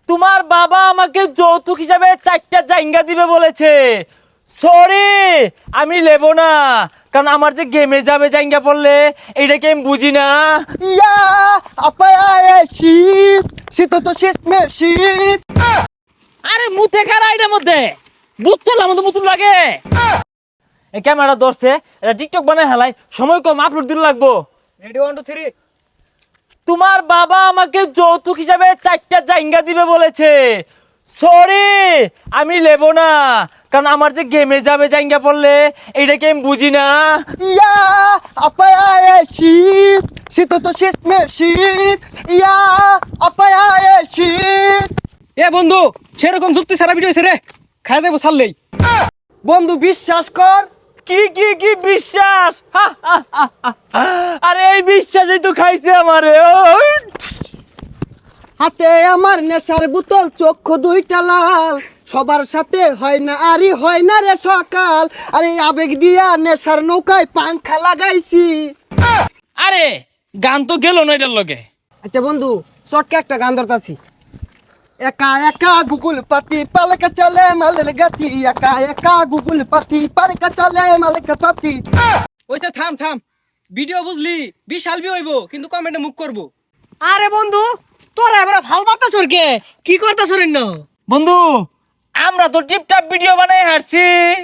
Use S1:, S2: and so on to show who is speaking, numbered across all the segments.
S1: তোমার বাবা আমাকে যৌতুক হিসাবে 4টা জায়গা দিবে বলেছে। সরি, আমি নেব না, কারণ আমার যে গেমে যাবে জায়গা পড়লে এইটাকে আমি বুঝি না।
S2: ইয়া আপায় শীত শীত তো শেষ মে শীত।
S1: আরে মুতে খারা এটার মধ্যে বুঝ করলাম তো মুতুন লাগে। এই ক্যামেরা ধরছে, এটা টিকটক বানায় হেলাই, সময় কম, আপলোড দিতে লাগবো।
S2: রেডি 1 2 3।
S1: তোমার বাবা আমাকে যৌতুক হিসাবে 4টা জায়গা দিবে বলেছে। সরি, আমি নেব না, কারণ আমার যে গেমে যাবে জায়গা পড়লে এইটাকে আমি বুঝি না।
S2: ইয়া আপায় শীত শীত তো শেষ মে শীত। ইয়া আপায় শীত।
S3: এ বন্ধু, সেরকম যুক্তি সারা ভিডিও রে খাই যাবো ছাড়লেই।
S2: বন্ধু বিশ্বাস কর।
S1: কি কি কি বিশ্বাস? আরে এই বিশ্বাসই তো খাইছে আমারে।
S2: হাতে আমার নেশার বোতল, চক্ষু দুইটা লাল, সবার সাথে হয় না আরি হয় না রে সকাল। আরে আবেগ দিয়া নেশার নৌকায় পাংখা লাগাইছি।
S1: আরে গান তো গেল না এটার লগে।
S2: আচ্ছা বন্ধু, শর্টকে একটা গান ধরতাছি। একা একা গুগল পাতি পালকা চলে মালের গাতি। একা একা গুগল পাতি পালকা চলে মালের পাতি।
S3: ওইটা থাম থাম, ভিডিও বুঝলি বিশাল বি হইব, কিন্তু কমেন্টে মুখ করবো।
S4: আরে বন্ধু, তোরা এবার ভাল বার্তা সরকে কি করতা সরেন না?
S1: বন্ধু, আমরা তো টিপটাপ ভিডিও বানাই হারছি।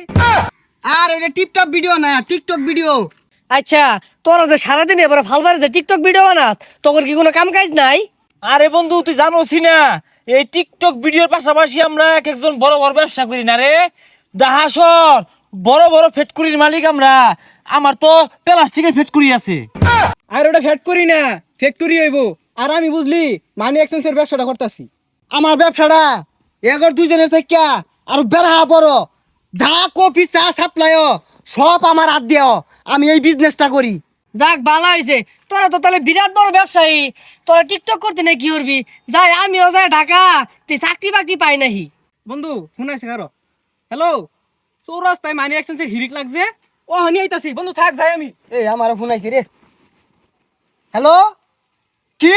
S2: আর এটা টিপটপ ভিডিও না, টিকটক ভিডিও।
S4: আচ্ছা, তোরা যে সারাদিন এবার ভাল বারে যে টিকটক ভিডিও বানাস, তোর কি কোনো কাম কাজ নাই?
S1: আরে বন্ধু, তুই জানোসি না এই টিকটক ভিডিওর পাশাপাশি আমরা এক একজন বড় বড় ব্যবসা করি না রে। দাহাসর বড় বড় ফ্যাক্টরির মালিক আমরা। আমার তো প্লাস্টিকের ফ্যাক্টরি আছে।
S3: আর ওটা ফ্যাট করি না, ফ্যাক্টরি হইব। আর আমি বুঝলি মানি এক্সচেঞ্জের ব্যবসাটা করতেছি।
S2: আমার ব্যবসাটা এগর দুজনের থেকে আর বেড়া বড়। যা কফি চা সাপ্লাই সব আমার হাত দিও। আমি এই বিজনেসটা করি।
S4: যাক ভালো হয়েছে, তোরা তো তাহলে বিরাট বড় ব্যবসায়ী। তোরা টিকটক করতে না কি করবি? যাই আমিও যাই ঢাকা, তুই চাকরি বাকরি পাই নাহি।
S3: বন্ধু শুনাইছে কারো? হ্যালো, চৌরাস্তায় মানি এক্সচেঞ্জের হিরিক লাগছে, ও হানি আইতাছি। বন্ধু থাক, যাই আমি।
S2: এই আমার ফোন আইছে রে। হ্যালো, কি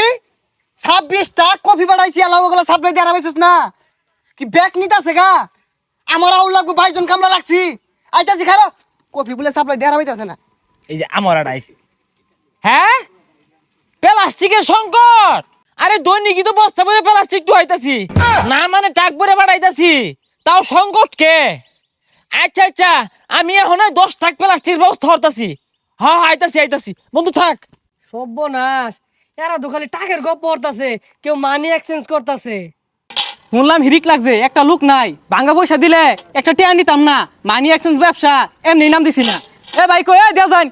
S2: 26টা কফি বাড়াইছি, আলাম ওগুলা সাপ্লাই দিয়ে আরামাইছিস না কি? ব্যাগ নিতেছে গা, আমার আউল লাগবো, 22 জন কামলা রাখছি। আইতাছি খারো, কফি বলে সাপ্লাই দিয়ে আরামাইতেছে না।
S1: এই যে আমার আইছে। হ্যাঁ, প্লাস্টিকের সংকট। আরে দৈনিকই তো বস্তা ভরে প্লাস্টিক তো হইতাছি না, মানে টাক ভরে বাড়াইতাছি, তাও সংকট কে? আচ্ছা আচ্ছা, আমি এখন 10 টাক প্লাস্টিকের ব্যবস্থা করতাছি। হ্যাঁ আইতাছি আইতাছি, বন্ধু থাক।
S4: সর্বনাশ, এরা তো খালি টাকের গপ পড়তাছে, কেউ মানি এক্সচেঞ্জ করতাছে।
S3: শুনলাম হিরিক লাগছে, একটা লোক নাই, ভাঙ্গা পয়সা দিলে একটা টিয়া নিতাম না। মানি এক্সচেঞ্জ ব্যবসা এমনি নাম দিছি না। এ ভাই কই দেয়া যান।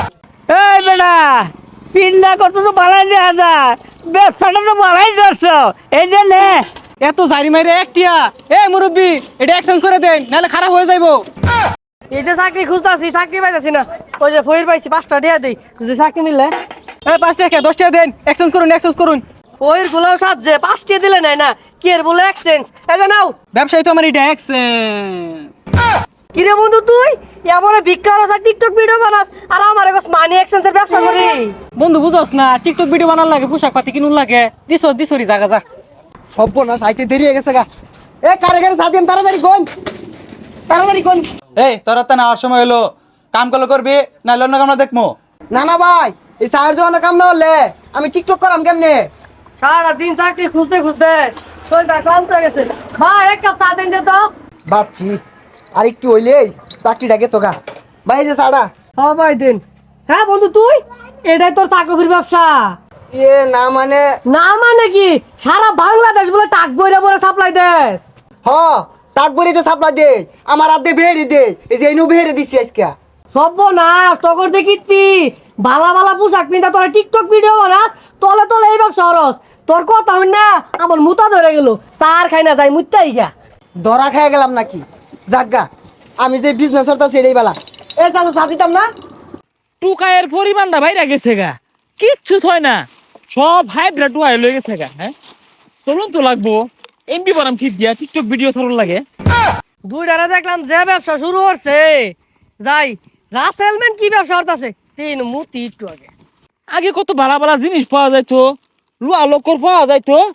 S5: এই বেটা, পিন্ডা কত তো বাড়াই দেওয়া যায়, ব্যবসাটা তো বাড়াই ধরছ, এই যে নে।
S3: এত জারি মাইরে এক টিয়া। এ মুরব্বি, এটা এক্সচেঞ্জ করে দেন, নাহলে খারাপ হয়ে যাইবো।
S4: এই যে চাকরি খুঁজতাছি, চাকরি পাইতাছি না। ওই যে ফইর পাইছি, 5টা দিয়া দেই, যদি চাকরি মিললে।
S3: এ 5 টাকা 10 টাকা দেন, এক্সচেঞ্জ করুন এক্সচেঞ্জ করুন।
S4: ওইর গুলাও সাজছে, 5টা দিলে নাই না, কি এর বলে এক্সচেঞ্জ? এই যে নাও।
S3: ব্যবসায়ী তো আমার এটা এক্সচেঞ্জ।
S4: কিরে বন্ধু, তুই এমন ভিক্ষার আর টিকটক ভিডিও বানাস, আর আমার কাছে মানি এক্সচেঞ্জের ব্যবসা করি?
S3: বন্ধু বুঝছ না, টিকটক ভিডিও বানার লাগে, পোশাক পাতি কিনুন লাগে। দিছরি জাগা যা।
S2: সর্বনাশ, আইতে দেরি হয়ে গেছে গা। এ কারে কারে সাদিম, তাড়াতাড়ি কোন, তাড়াতাড়ি কোন।
S6: এই তোর তো নেওয়ার সময় হলো, কাম করলে করবি, না অন্য কামনা দেখবো।
S2: না না ভাই, এই চায়ের দোকানে কাম না হলে আমি টিকটক করাম কেমনে?
S4: সারা দিন চাকরি খুঁজতে খুঁজতে শরীরটা ক্লান্ত হয়ে গেছে। ভাই এক কাপ চা দেন দে তো।
S2: বাচ্চি আর একটু হইলেই চাকরিটাকে তো গা। ভাই এই যে চাটা।
S4: হ্যাঁ ভাই দেন। হ্যাঁ বন্ধু, তুই এটাই তোর চাকরির ব্যবসা?
S2: এ না মানে,
S4: না মানে কি, সারা বাংলাদেশ বলে টাক বইরা বলে সাপ্লাই দেস?
S2: হ টাক বরি তো সাপ্লাই দে, আমার আদে বেহেরি দে। এই যে এনু বেহেরি দিছি আজকে।
S4: সর্বনাশ, তখন দেখিতি বালা বালা পোশাক পিন্ধা তোরা টিকটক ভিডিও বানাস, তলে তলে এই ব্যবসা হরস। তোর কথা হই না, আমার মুতা ধরে গেল, চার খাই না যাই মুত্তাই গা।
S2: ধরা খেয়ে গেলাম নাকি? জাগা, আমি যে বিজনেস করতে সেটাই বেলা। এ চাচা চা দিতাম না?
S1: টুকায়ের পরিমাণটা বাইরে গেছে গা, কিচ্ছু থয় না, সব হাইব্রিড টুকায় লয়ে গেছে গা। হ্যাঁ চলুন তো লাগবো, এমবি বানাম ঠিক দিয়া টিকটক ভিডিও ছাড়ুন লাগে।
S4: দুইটারে দেখলাম যে ব্যবসা শুরু করছে, যাই রাসেলম্যান কি ব্যবসা করতেছে, তিন মুতি একটু আগে।
S1: আগে কত ভালো ভালো জিনিস পাওয়া যাইতো, লুয়া লোকর পাওয়া যাইতো,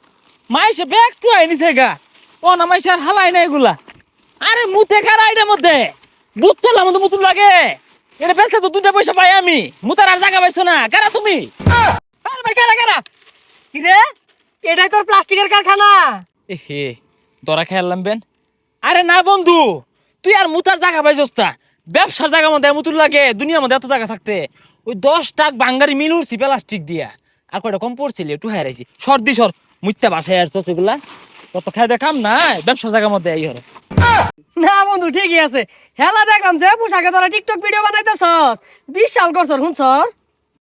S1: মাইসে ব্যাগ টু আইনিছে গা ও না মাইসে আর হালাই না এগুলা আরে মুতে কার আইডের মধ্যে বুঝছো না মতো মুতুর লাগে এটা বেচলে তো 2টা পয়সা পাই আমি মুতার আর জায়গা পাইছো না কারা তুমি
S4: আরে ভাই কারা কারা কি রে এটাই তোর প্লাস্টিকের কারখানা
S1: এ হে দরা খেয়ালাম বেন আরে না বন্ধু তুই আর মুতার জায়গা পাইছস তা ব্যবসার জায়গা মধ্যে মুতুর লাগে দুনিয়ার মধ্যে এত জায়গা থাকতে ওই 10 টাক বাঙ্গারি মিল উঠছি প্লাস্টিক দিয়া আর কয়টা কম পড়ছিল একটু হারাইছি সর্দি সর মুইতা বাসায় আর এগুলা কত খাই দেখাম না ব্যবসার জায়গার মধ্যে এই হরস
S4: না বন্ধু ঠিকই আছে হেলা দেখলাম যে পোশাকে তোরা টিকটক ভিডিও বানাইতেছস বিশাল করছর শুনছর